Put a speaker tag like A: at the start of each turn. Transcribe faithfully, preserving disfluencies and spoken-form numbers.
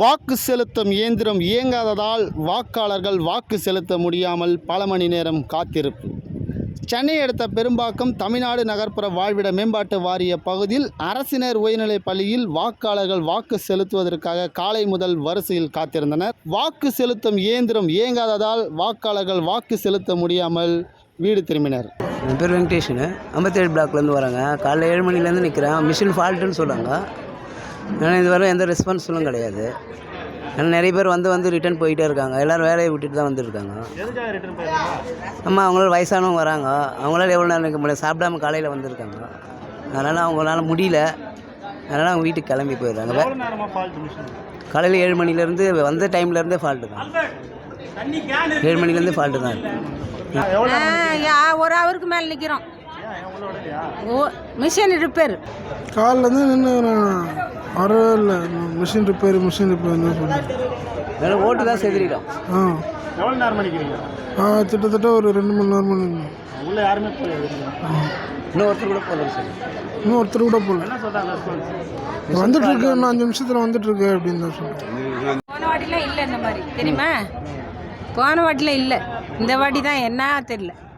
A: வாக்கு செலுத்தும் இயந்திரம் இயங்காததால் வாக்காளர்கள் வாக்கு செலுத்த முடியாமல் பல மணி நேரம் காத்திருப்பு. சென்னை அடுத்த பெரும்பாக்கம் தமிழ்நாடு நகர்ப்புற வாழ்விட மேம்பாட்டு வாரிய பகுதியில் அரசினர் உயர்நிலைப் பள்ளியில் வாக்காளர்கள் வாக்கு செலுத்துவதற்காக காலை முதல் வரிசையில் காத்திருந்தனர். வாக்கு செலுத்தும் இயந்திரம் இயங்காததால் வாக்காளர்கள் வாக்கு செலுத்த முடியாமல் வீடு திரும்பினர்.
B: என் பேர் வெங்கடேஷனு, ஐம்பத்தேழு பிளாக்லேருந்து வராங்க. காலைல ஏழு மணிலேருந்து நிற்கிறேன். மிஷின் ஃபால்ட்டுன்னு சொல்கிறாங்க. ஆனால் இதுவரை எந்த ரெஸ்பான்ஸும் கிடையாது. ஏன்னா நிறைய பேர் வந்து வந்து ரிட்டர்ன் போயிட்டே இருக்காங்க. எல்லோரும் வேலையை விட்டுட்டு தான் வந்துருக்காங்க. ஆமாம், அவங்களால வயசானவங்க வராங்க. அவங்களால எவ்வளோ நேரம் இருக்க முடியாது, சாப்பிடாம காலையில் வந்திருக்காங்க. அதனால் அவங்களால முடியல. அதனால் அவங்க வீட்டுக்கு கிளம்பி போயிடுறாங்க. காலையில் ஏழு மணிலேருந்து வந்த டைம்லேருந்தே ஃபால்ட்டு தான். ஏழு மணிலேருந்து ஃபால்ட்டு தான் இருக்குது.
C: ஒரு ஹவருக்கு மேலே நிற்கிறோம். ஓ மிஷின் ரிப்பேர்
D: காலிலேருந்து நின்று வரவே இல்லை. மிஷின் ரிப்பேர் மிஷின் ரிப்பேர்னு
B: சொல்லி ஓட்டு தான் செதுறிட்டோம்.
D: ஆ எவ்வளோ நேரம் பண்ணிக்கிறீங்க? ஆ கிட்டத்தட்ட ஒரு ரெண்டு மணி நேரம் பண்ணி உள்ள யாருமே போகல.
B: இன்னும் ஒருத்தர் கூட போகல சார்.
D: இன்னும் ஒருத்தர் கூட போகல. வந்துட்டு இருக்கு, இன்னும் அஞ்சு நிமிஷத்தில் வந்துட்டு இருக்கு அப்படின்னு தான் சொல்லுங்கள்.
C: போன வாட்டிலாம் இல்லை இந்த மாதிரி தெரியுமா? போன வாட்டிலாம் இல்லை, இந்த வாட்டி தான் என்ன தெரியல.